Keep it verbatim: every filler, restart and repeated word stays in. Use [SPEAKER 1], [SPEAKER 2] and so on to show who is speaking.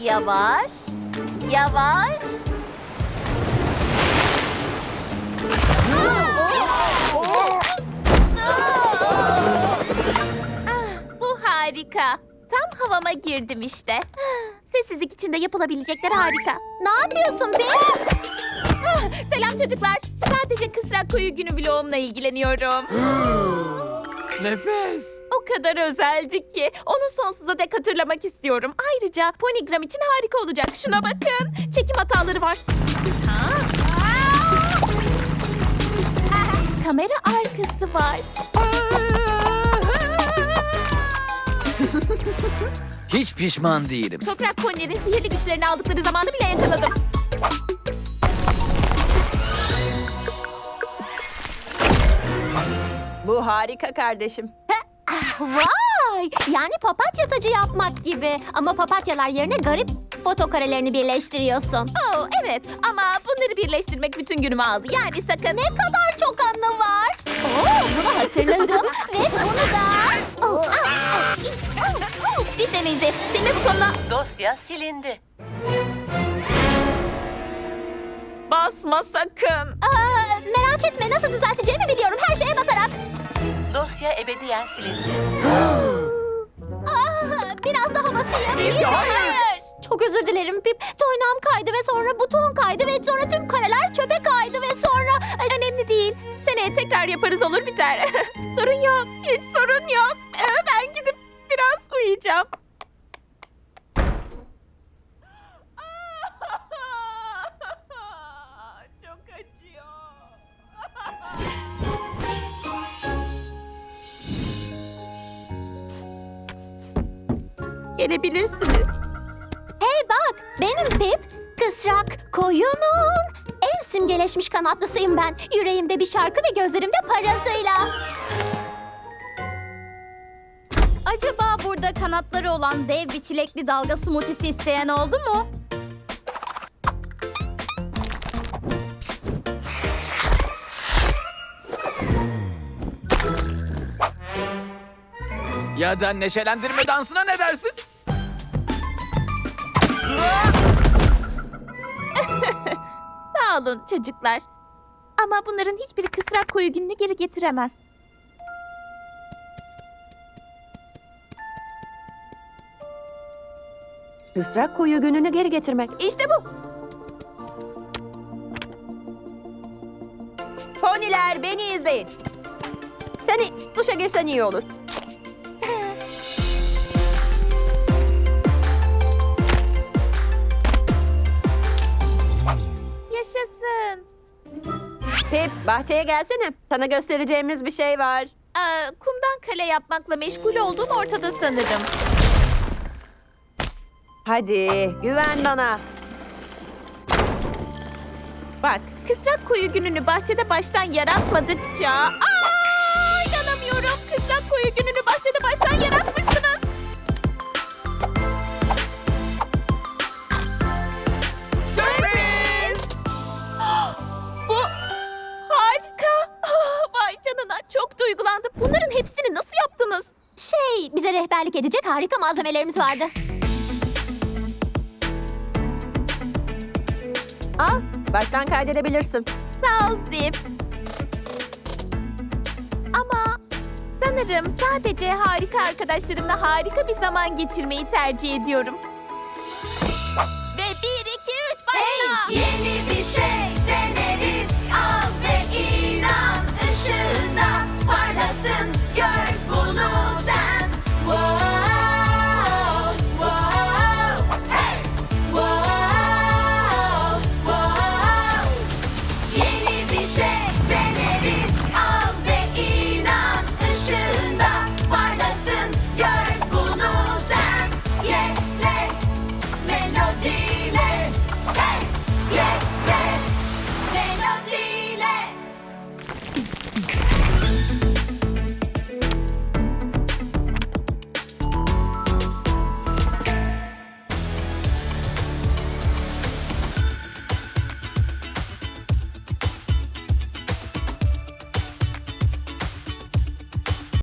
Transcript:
[SPEAKER 1] Yavaş, yavaş. Ah, bu harika. Tam havama girdim işte. Sessizlik içinde yapılabilecekler harika.
[SPEAKER 2] Ne yapıyorsun be?
[SPEAKER 1] Ah, selam çocuklar. Sadece Kısrak Koyu Günü vlogumla ilgileniyorum.
[SPEAKER 3] Nefes.
[SPEAKER 1] O kadar özeldi ki onu sonsuza dek hatırlamak istiyorum. Ayrıca Ponygram için harika olacak. Şuna bakın. Çekim hataları var. Ha? Kamera arkası var.
[SPEAKER 3] Hiç pişman değilim.
[SPEAKER 1] Toprak ponilerin sihirli güçlerini aldıkları zamanı bile yakaladım.
[SPEAKER 4] Bu harika kardeşim.
[SPEAKER 2] Vay! Yani papatya tacı yapmak gibi. Ama papatyalar yerine garip foto karelerini birleştiriyorsun.
[SPEAKER 1] Oh evet ama bunları birleştirmek bütün günümü aldı. Yani sakın.
[SPEAKER 2] Ne kadar çok anı var. Oo, bunu hatırladım. Ve bunu da... Oh, ah, ah, ah, ah.
[SPEAKER 1] Dinle Neyze. Silme butonuna
[SPEAKER 5] Dosya silindi.
[SPEAKER 1] basma sakın.
[SPEAKER 2] Aa, merak etme, nasıl düzelteceğimi biliyorum. Her şeye basarak.
[SPEAKER 5] Dosya ebediyen silindi.
[SPEAKER 2] Ah, biraz daha basayım.
[SPEAKER 1] Neyse, hayır.
[SPEAKER 2] Çok özür dilerim Pip. Toynağım kaydı ve sonra buton kaydı ve sonra tüm kareler çöpe kaydı ve sonra...
[SPEAKER 1] Önemli değil. Seneye tekrar yaparız olur biter. Sorun yok. Hiç sorun yok. Ee, ben gidip biraz uyuyacağım. Çok acıyor. Gelebilirsiniz.
[SPEAKER 2] Hey bak, benim Pip. Kısrak koyunun en simgeleşmiş kanatlısıyım ben. Yüreğimde bir şarkı ve gözlerimde parıltıyla. Acaba burada kanatları olan dev bir çilekli dalga smoothie'si isteyen oldu mu?
[SPEAKER 3] Ya da neşelendirme dansına ne dersin?
[SPEAKER 1] Sağ olun çocuklar. Ama bunların hiçbiri Kısrak Koyu Günü'nü geri getiremez.
[SPEAKER 4] Kısrak Koyu Günü'nü geri getirmek. İşte bu. Poniler beni izleyin. Seni duşa geçsen iyi olur.
[SPEAKER 1] Yaşasın.
[SPEAKER 4] Pip bahçeye gelsene. Sana göstereceğimiz bir şey var.
[SPEAKER 1] Aa, kumdan kale yapmakla meşgul olduğun ortada sanırım.
[SPEAKER 4] Hadi güven bana.
[SPEAKER 1] Bak, Kısrak Koyu Günü'nü bahçede baştan yaratmadıkça... Aa, inanamıyorum. Kısrak Koyu Günü'nü bahçede baştan yaratmışsınız. Sürpriz! Bu harika. Ah, vay canına, çok duygulandım. Bunların hepsini nasıl yaptınız?
[SPEAKER 2] Şey, bize rehberlik edecek harika malzemelerimiz vardı.
[SPEAKER 4] Al baştan kaydedebilirsin.
[SPEAKER 1] Sağ ol Zip. Ama sanırım sadece harika arkadaşlarımla harika bir zaman geçirmeyi tercih ediyorum.